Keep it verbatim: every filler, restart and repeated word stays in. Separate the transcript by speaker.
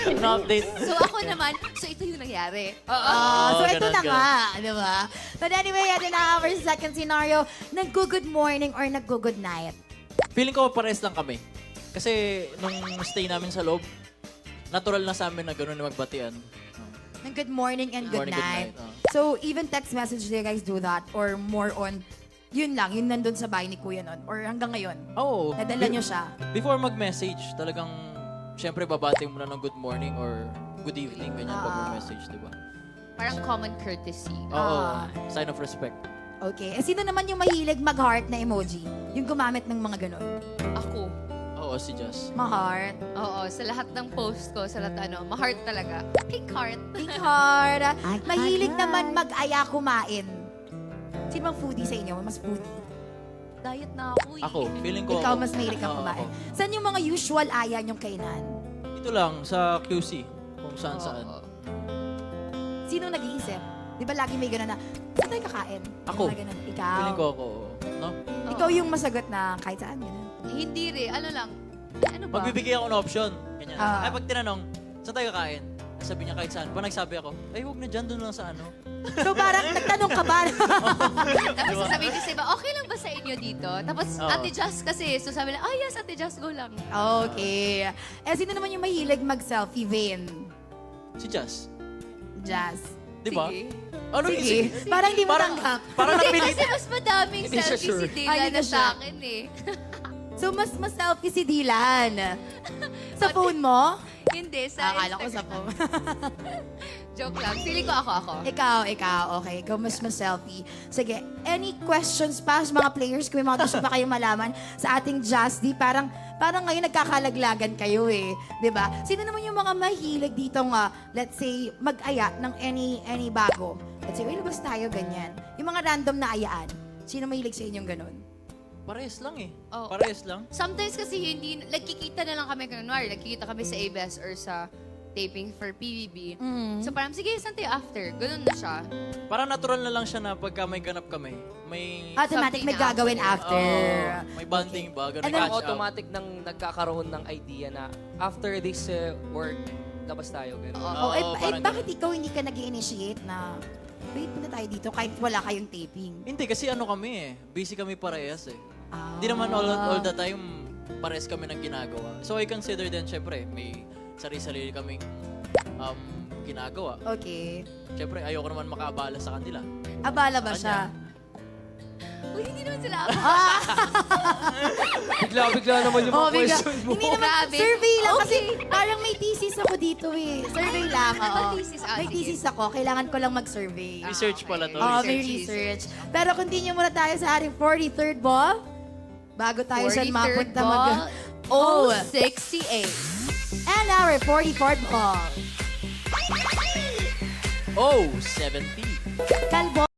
Speaker 1: Na-update.
Speaker 2: So ako naman, so ito yung nangyari.
Speaker 3: Ah, so
Speaker 1: Oo,
Speaker 3: ito
Speaker 1: ganun,
Speaker 3: na
Speaker 1: ganun.
Speaker 3: nga, di ba? But anyway, ito na our second scenario. Nag-good morning or nag-good night?
Speaker 1: Feeling ko pares lang kami. Kasi nung stay namin sa loob, natural na sa amin na gano'n na magbatian.
Speaker 3: Ng good morning and good
Speaker 1: Morning, good
Speaker 3: night.
Speaker 1: night, oh.
Speaker 3: So even text message, do you guys do that? Or more on, yun lang, yun nandun sa bahay ni Kuya nun? Or hanggang ngayon?
Speaker 1: Oo.
Speaker 3: Nadala
Speaker 1: Be-
Speaker 3: nyo siya?
Speaker 1: Before mag-message, talagang, syempre babati mo na ng good morning or good evening, ganyan pag
Speaker 3: Ah.
Speaker 1: mag-message, di ba?
Speaker 2: Parang common courtesy.
Speaker 1: Oo.
Speaker 3: Ah.
Speaker 1: Sign of respect.
Speaker 3: Okay. Eh, sino naman yung mahilig mag-heart na emoji? Yung gumamit ng mga ganun.
Speaker 2: Ako.
Speaker 1: Oo, si Jess.
Speaker 3: Ma-heart.
Speaker 2: Oo, sa lahat ng post ko, sa lahat ano, ma-heart talaga. Pink heart.
Speaker 3: Pink heart. Mahilig naman mag-aya kumain. Sino bang foodie sa inyo? Mas foodie.
Speaker 2: Diet na ako eh.
Speaker 1: Ako, feeling ko
Speaker 3: Ikaw
Speaker 1: ako.
Speaker 3: mas mahilig kang
Speaker 1: Oo,
Speaker 3: kumain.
Speaker 1: ako.
Speaker 3: Saan yung mga usual aya niyong kainan?
Speaker 1: Dito lang, sa Q C. Kung saan saan.
Speaker 2: Oo.
Speaker 3: Sino nag-iisip? Di ba lagi may gano'n na, saan tayo kakain?
Speaker 1: Ako.
Speaker 3: Mga ganun. Ikaw.
Speaker 1: Feeling ko ako, no?
Speaker 3: Ikaw yung masagot na kahit saan, gano'n.
Speaker 2: Eh, hindi rin. Ano lang. Eh, ano ba?
Speaker 1: Magbibigay ako ng option. Ganyan.
Speaker 3: Ah.
Speaker 1: Ay, pag tinanong, saan tayo kakain? Sabi niya kahit saan. Pag nagsabi ako, ay, huwag na dyan, doon lang sa ano.
Speaker 3: So parang nagtanong ka ba?
Speaker 2: Tapos sasabihin ko sa iba, okay lang ba sa inyo dito? Tapos
Speaker 1: Oo.
Speaker 2: Ate Jazz kasi, so sabi lang, ah yes, Ate Jazz, go lang.
Speaker 3: Okay. Eh, sino naman yung mahilig mag-selfie vein?
Speaker 1: Si Jess.
Speaker 3: Jazz.
Speaker 1: Di ba?
Speaker 2: Sige.
Speaker 1: Ano yun?
Speaker 3: Sige. Parang di mo
Speaker 1: Parang,
Speaker 3: tanggap.
Speaker 1: parang
Speaker 2: Hindi,
Speaker 1: napilit.
Speaker 2: kasi mas madaming
Speaker 1: Hindi siya
Speaker 2: selfie
Speaker 1: sure.
Speaker 2: si Dila
Speaker 3: Ay, hindi
Speaker 2: na
Speaker 3: ka
Speaker 2: sa
Speaker 3: sure.
Speaker 2: akin eh.
Speaker 3: So mas mas selfie si Dylan. Sa phone mo?
Speaker 2: Hindi, sa
Speaker 3: Akala ko sa
Speaker 2: Instagram.
Speaker 3: phone.
Speaker 2: Joke lang. Feeling ko ako, ako.
Speaker 3: ikaw, ikaw. Okay, ikaw mas mas selfie. Sige, any questions pa sa mga players? Kung may mga gusto pa kayong malaman sa ating Just D, parang, parang ngayon nagkakalaglagan kayo eh. 'Di ba? Sino naman yung mga mahilig dito nga, let's say, mag-aya ng any any bago? Let's say, uy, labas tayo, ganyan. Yung mga random na ayaan. Sino mahilig sa inyong ganun?
Speaker 1: Parehas lang eh.
Speaker 2: Oo.
Speaker 1: Parehas lang.
Speaker 2: Sometimes kasi hindi, nagkikita na lang kami, kunwari, nagkikita kami sa A B S or sa taping for P B B.
Speaker 3: Mm.
Speaker 2: So parang, sige, saan tayo after? Ganun na siya.
Speaker 1: Parang natural na lang siya na pagka may ganap kami, may...
Speaker 3: Automatic may
Speaker 2: Something na
Speaker 3: gagawin after.
Speaker 1: Oo, may bonding ba? Ganun,
Speaker 3: And then,
Speaker 1: catch up.
Speaker 4: automatic nang nagkakaroon ng idea na after this uh, work, labas tayo. Ganun.
Speaker 2: Oo.
Speaker 3: Oh, eh,
Speaker 1: Oo,
Speaker 3: eh,
Speaker 1: parang
Speaker 3: bakit ikaw hindi ka nag initiate na, wait, punta tayo dito kahit wala kayong taping?
Speaker 1: Hindi, kasi ano kami eh. Busy kami parehas eh.
Speaker 3: Ah.
Speaker 1: Hindi naman all, all the time parehas kami ng ginagawa. So I consider din, syempre, may sarili-sarili kaming um, ginagawa.
Speaker 3: Okay.
Speaker 1: Syempre, ayoko naman makaabala sa kanila.
Speaker 3: Abala ba
Speaker 1: Sa
Speaker 3: siya?
Speaker 2: Uy, hindi naman sila ako.
Speaker 4: Bigla-bigla naman yung mga
Speaker 3: Oh, bigla.
Speaker 4: question mo.
Speaker 3: Hindi naman,
Speaker 2: Grabe.
Speaker 3: survey lang kasi
Speaker 2: Okay.
Speaker 3: parang may thesis ako dito eh. Survey lang,
Speaker 2: Ano
Speaker 3: oo.
Speaker 2: thesis? Ah,
Speaker 3: May
Speaker 2: sige.
Speaker 3: thesis ako, kailangan ko lang mag-survey.
Speaker 1: Research pala to.
Speaker 3: Oo, may
Speaker 2: Research,
Speaker 3: research. Pero continue muna tayo sa ating forty-third ball. Bago tayo siya
Speaker 2: forty-third
Speaker 3: mapunta
Speaker 2: ball,
Speaker 3: mag... Oh!
Speaker 2: oh sixty-eight.
Speaker 3: And our forty-fourth ball.
Speaker 1: Oh, seventy.
Speaker 3: Kalbo.